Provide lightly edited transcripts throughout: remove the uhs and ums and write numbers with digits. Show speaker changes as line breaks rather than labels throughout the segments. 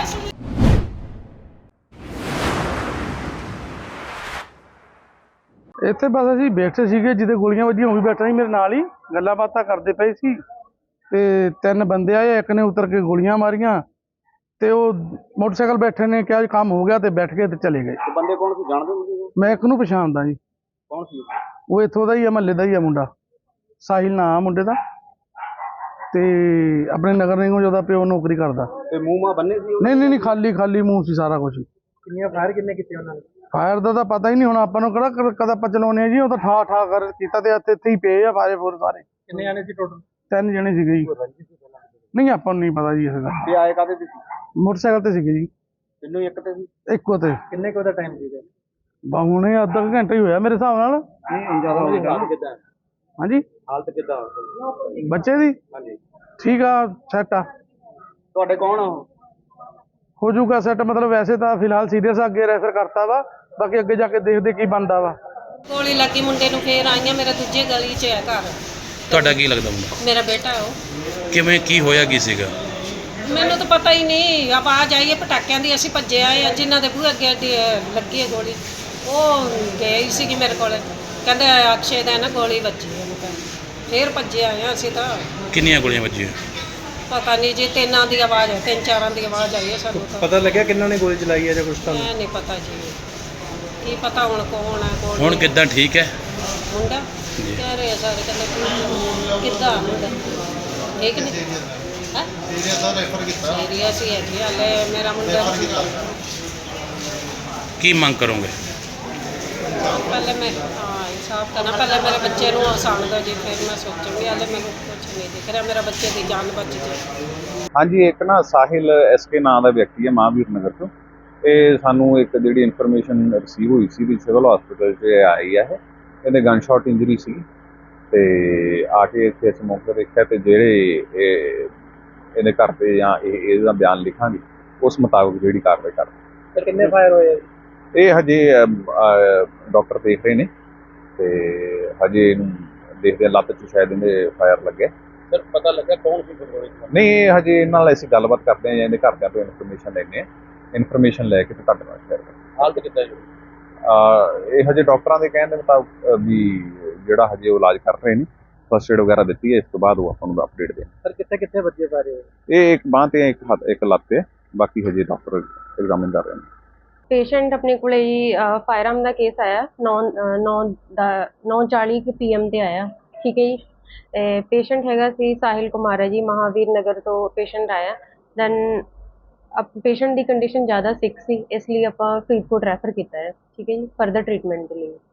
ਇੱਥੇ ਬਸ ਅਸੀਂ ਬੈਠੇ ਸੀਗੇ, ਜਿਹਦੇ ਗੋਲੀਆਂ ਵੱਜੀਆਂ ਉਹ ਵੀ ਬੈਠਾ ਸੀ ਮੇਰੇ ਨਾਲ ਹੀ, ਗੱਲਾਂ ਬਾਤਾਂ ਕਰਦੇ ਪਏ ਸੀ ਤੇ ਤਿੰਨ ਬੰਦੇ ਆਏ, ਇੱਕ ਨੇ ਉਤਰ ਕੇ ਗੋਲੀਆਂ ਮਾਰੀਆਂ ਤੇ ਉਹ ਮੋਟਰਸਾਈਕਲ ਬੈਠੇ ਨੇ ਕਿਹਾ ਕੰਮ ਹੋ ਗਿਆ ਤੇ ਬੈਠ ਕੇ ਤੇ ਚਲੇ ਗਏ।
ਬੰਦੇ ਕੌਣ ਸੀ ਜਾਣਦੇ ਹੋ?
ਮੈਂ ਇੱਕ ਨੂੰ ਪਛਾਣਦਾ ਜੀ।
ਕੌਣ ਸੀ?
ਉਹ ਇੱਥੋਂ ਦਾ ਹੀ ਆ, ਮਹੱਲੇ ਦਾ ਹੀ ਆ ਮੁੰਡਾ, ਸਾਹਿਲ ਨਾਂ ਮੁੰਡੇ ਦਾ, ਤੇ ਆਪਣੇ ਨਗਰ ਨਿਗਮ ਜਿਹਦਾ ਪਿਓ ਨੌਕਰੀ ਕਰਦਾ।
ਤੇ ਮੂੰਹ ਮਾ ਬੰਨੇ ਸੀ?
ਨਹੀਂ ਖਾਲੀ ਮੂੰਹ ਸੀ ਸਾਰਾ ਕੁਝ।
ਕਿੰਨੀਆਂ ਫਾਇਰ ਕਿੰਨੇ ਕੀਤੇ ਉਹਨਾਂ ਨੇ?
ਫਾਇਰ ਦਾ ਤਾਂ ਪਤਾ ਹੀ ਨਹੀਂ, ਹੁਣ ਆਪਾਂ ਨੂੰ ਕਿਹੜਾ ਕਦਾ ਆਪਾਂ ਚਲਾਉਣੇ ਜੀ, ਉਹ ਤਾਂ ਠਾ ਕਰ ਕੀਤਾ ਤੇ ਇੱਥੇ ਹੀ ਪਏ ਆ ਫਾਇਰ ਫੋਰ ਸਾਰੇ।
ਕਿੰਨੇ ਜਾਣੇ ਸੀ ਟੋਟਲ?
3 ਜਣੇ ਸੀਗੇ ਜੀ। ਨਹੀਂ ਆਪਾਂ ਨੂੰ ਨਹੀਂ ਪਤਾ ਜੀ ਇਸ ਦਾ।
ਤੇ ਆਏ ਕਾਹਦੇ ਤੇ ਸੀ?
ਮੋਟਰਸਾਈਕਲ ਤੇ ਸੀਗੇ ਜੀ।
ਤਿੰਨੋਂ ਇੱਕ ਤੇ ਸੀ?
ਇੱਕੋ ਤੇ।
ਕਿੰਨੇ ਕੁ ਦਾ ਟਾਈਮ ਸੀਗਾ?
ਹੁਣੇ ਅੱਧਾ ਘੰਟਾ ਹੀ ਹੋਇਆ ਮੇਰੇ ਹਿਸਾਬ ਨਾਲ।
ਨਹੀਂ ਜ਼ਿਆਦਾ ਹੋ ਗਿਆ। ਹਾਲਤ ਕਿੱਦਾਂ?
ਹਾਂਜੀ
ਹਾਲਤ ਕਿੱਦਾਂ
ਬੱਚੇ ਦੀ?
ਹਾਂਜੀ
ਠੀਕ ਆ, ਸੈੱਟ ਆ।
ਤੁਹਾਡੇ ਕੌਣ ਆ ਉਹ?
ਹੋ ਜਾਊਗਾ ਸੈੱਟ, ਮਤਲਬ ਵੈਸੇ ਤਾਂ ਫਿਲਹਾਲ ਸੀਰੀਅਸ ਆ, ਅੱਗੇ ਰੈਫਰ ਕਰਤਾ ਵਾ, ਬਾਕੀ ਅੱਗੇ ਜਾ ਕੇ ਦੇਖਦੇ ਕੀ ਬਣਦਾ ਵਾ।
ਗੋਲੀ ਲੱਗੀ ਮੁੰਡੇ ਨੂੰ, ਫੇਰ ਆਈਆਂ, ਮੇਰਾ ਦੂਜੇ ਗਲੀ 'ਚ ਹੈ ਘਰ।
ਤੁਹਾਡਾ ਕੀ ਲੱਗਦਾ ਮੁੰਡਾ?
ਮੇਰਾ ਬੇਟਾ ਉਹ।
ਕਿਵੇਂ ਕੀ ਹੋਇਆ ਕੀ ਸੀਗਾ?
ਮੈਨੂੰ ਤਾਂ ਪਤਾ ਹੀ ਨਹੀਂ, ਆਵਾਜ਼ ਆਈ ਹੈ ਪਟਾਕਿਆਂ ਦੀ, ਅਸੀਂ ਭੱਜੇ ਆਏ ਆ। ਜਿਨ੍ਹਾਂ ਦੇ ਬੂਹੇ ਅੱਗੇ ਲੱਗੀ ਹੈ ਗੋਲੀ, ਉਹ ਗਈ ਸੀਗੀ ਮੇਰੇ ਕੋਲ, ਕਹਿੰਦੇ ਅਕਸ਼ੇ ਦਾ ਨਾ ਗੋਲੀ ਵੱਜੀ ਉਹਨੂੰ, ਫੇਰ ਭੱਜੇ ਆਏ ਆ ਅਸੀਂ ਤਾਂ।
ਕਿੰਨੀਆਂ ਗੋਲੀਆਂ ਵੱਜੀਆਂ?
ਪਤਾ ਨਹੀਂ ਜੀ, ਤਿੰਨਾਂ ਦੀ ਆਵਾਜ਼ ਹੈ, 3-4 ਦੀ ਆਵਾਜ਼ ਆਈ ਹੈ ਸਾਨੂੰ ਤਾਂ।
ਪਤਾ ਲੱਗਿਆ ਕਿੰਨਾਂ ਨੇ ਗੋਲੀ ਚਲਾਈ ਹੈ ਜਾਂ ਕੁਝ ਤਾਂ?
ਨਹੀਂ ਪਤਾ ਜੀ, ਕੀ ਪਤਾ ਹੁਣ ਕੌਣ ਹੈ ਕੌਣ
ਹੁਣ
ਨਹੀਂ।
ਕਿੱਦਾਂ ਠੀਕ ਹੈ
ਮੁੰਡਾ ਕਹਿ ਰਹੇ ਆ ਸਾਰੇ, ਕਹਿੰਦੇ ਕਿੱਦਾਂ ਮੁੰਡਾ ਠੀਕ ਨਹੀਂ ਹੈ? ਸੀਰੀਅਸ ਹੀ ਹੈ ਜੀ, ਹਾਲੇ ਮੇਰਾ ਮੁੰਡਾ।
ਕੀ ਮੰਗ ਕਰੋਗੇ?
ਪਹਿਲੇ ਮੈਂ ਇਨਸਾਫ ਕਰਨਾ, ਪਹਿਲੇ ਮੇਰੇ ਬੱਚੇ ਨੂੰ ਆਸਾਨ ਦੋ ਜੀ, ਫਿਰ ਮੈਂ ਸੋਚੂੰਗੀ। ਹਾਲੇ ਮੈਨੂੰ ਕੁਝ ਨਹੀਂ ਦਿਖ ਰਿਹਾ, ਮੇਰਾ ਬੱਚੇ ਦੀ ਜਾਨ ਬਚ ਜਾਏ।
ਹਾਂਜੀ, ਇੱਕ ਨਾ ਸਾਹਿਲ ਐਸਕੇ ਨਾਂ ਦਾ ਵਿਅਕਤੀ ਹੈ ਮਹਾਂਵੀਰ ਨਗਰ ਤੋਂ। ਇਹ ਸਾਨੂੰ ਇੱਕ ਜਿਹੜੀ ਇਨਫੋਰਮੇਸ਼ਨ ਰਿਸੀਵ ਹੋਈ ਸੀ ਵੀ ਸਿਵਲ ਹਸਪੀਟਲ 'ਚ ਆਈ ਹੈ, ਇਹਦੇ ਗਨ ਸ਼ਾਟ ਇੰਜਰੀ ਸੀ ਤੇ ਆ ਕੇ ਇੱਥੇ ਅਸੀਂ ਮੌਕੇ ਦੇਖਿਆ ਤੇ ਜਿਹੜੇ ਇਹਦੇ ਘਰ ਤੇ ਜਾਂ ਇਹਦਾ ਬਿਆਨ ਲਿਖਾਂਗੇ ਉਸ ਮੁਤਾਬਕ ਜਿਹੜੀ ਕਾਰਵਾਈ ਕਰਾਂਗੇ।
ਤੇ ਕਿੰਨੇ ਫਾਇਰ ਹੋਏ?
ਇਹ ਹਜੇ ਡਾਕਟਰ ਦੇਖ ਰਹੇ ਨੇ ਤੇ ਹਜੇ ਇਹਨੂੰ ਦੇਖਦੇ ਲੱਤ 'ਚ ਸ਼ਾਇਦ ਇਹਦੇ ਫਾਇਰ ਲੱਗਿਆ।
ਸਰ ਪਤਾ ਲੱਗਾ ਕੌਣ ਸੀ ਗੋਲੀ?
ਨਹੀਂ, ਇਹ ਹਜੇ ਇਹਨਾਂ ਨਾਲ ਅਸੀਂ ਗੱਲਬਾਤ ਕਰਦੇ ਹਾਂ ਜਾਂ ਇਹਦੇ ਘਰਦਿਆਂ ਤੋਂ ਇਨਫੋਰਮੇਸ਼ਨ ਲੈਂਦੇ ਹਾਂ, ਇਨਫੋਰਮੇਸ਼ਨ ਲੈ ਕੇ ਤੇ ਤੁਹਾਡੇ ਨਾਲ ਸ਼ੇਅਰ ਕਰਾਂਗੇ।
ਹਾਲਤ ਕਿੱਦਾਂ ਜੀ?
ਇਹ ਹਜੇ ਡਾਕਟਰਾਂ ਦੇ ਕਹਿਣ ਦੇ ਮੁਤਾਬਕ ਵੀ ਜਿਹੜਾ ਹਜੇ ਉਹ ਇਲਾਜ ਕਰ ਰਹੇ ਨੇ, ਫਸਟ ਏਡ ਵਗੈਰਾ ਦਿੱਤੀ ਹੈ, ਇਸ ਤੋਂ ਬਾਅਦ ਉਹ ਆਪਾਂ ਨੂੰ ਅਪਡੇਟ ਦੇਣ।
ਸਰ ਕਿੱਥੇ ਕਿੱਥੇ ਵੱਜੇ ਸਾਰੇ?
ਇਹ ਇੱਕ ਬਾਂਹ ਤੇ ਇੱਕ ਲੱਤ ਤੇ, ਬਾਕੀ ਹਜੇ ਡਾਕਟਰ ਐਗਜ਼ਾਮਿਨ ਕਰ ਰਹੇ ਨੇ।
ਪੇਸ਼ੈਂਟ ਆਪਣੇ ਕੋਲੇ ਜੀ ਫਾਇਰਆਰਮ ਦਾ ਕੇਸ ਆਇਆ 9:40 PM ਤੇ ਆਇਆ, ਠੀਕ ਹੈ ਜੀ। ਪੇਸ਼ੈਂਟ ਹੈਗਾ ਸੀ ਸਾਹਿਲ ਕੁਮਾਰ ਹੈ ਜੀ, ਮਹਾਵੀਰ ਨਗਰ ਤੋਂ ਪੇਸ਼ੈਂਟ ਆਇਆ। ਦੈਨ ਪੇਸ਼ੈਂਟ ਦੀ ਕੰਡੀਸ਼ਨ ਜ਼ਿਆਦਾ ਸਿਕ ਸੀ, ਇਸ ਲਈ ਆਪਾਂ ਫਰੀਦਕੋਟ ਰੈਫਰ ਕੀਤਾ ਹੈ, ਠੀਕ ਹੈ ਜੀ, ਫਰਦਰ ਟ੍ਰੀਟਮੈਂਟ ਦੇ ਲਈ।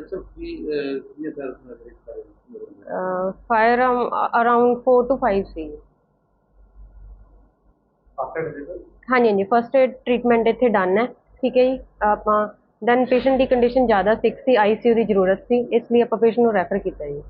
ਫਾਇਰਆਰਮ ਅਰਾਊਂਡ 4 to 5 ਸੀ। ਹਾਂਜੀ, ਫਸਟ ਏਡ ਟ੍ਰੀਟਮੈਂਟ ਇੱਥੇ ਡਨ ਹੈ, ਠੀਕ ਹੈ ਜੀ। ਆਪਾਂ ਦੈਨ ਪੇਸ਼ੈਂਟ ਦੀ ਕੰਡੀਸ਼ਨ ਜ਼ਿਆਦਾ ਸਿਕ ਸੀ, ICU ਦੀ ਜ਼ਰੂਰਤ ਸੀ, ਇਸ ਲਈ ਆਪਾਂ ਪੇਸ਼ੈਂਟ ਨੂੰ ਰੈਫਰ ਕੀਤਾ ਜੀ।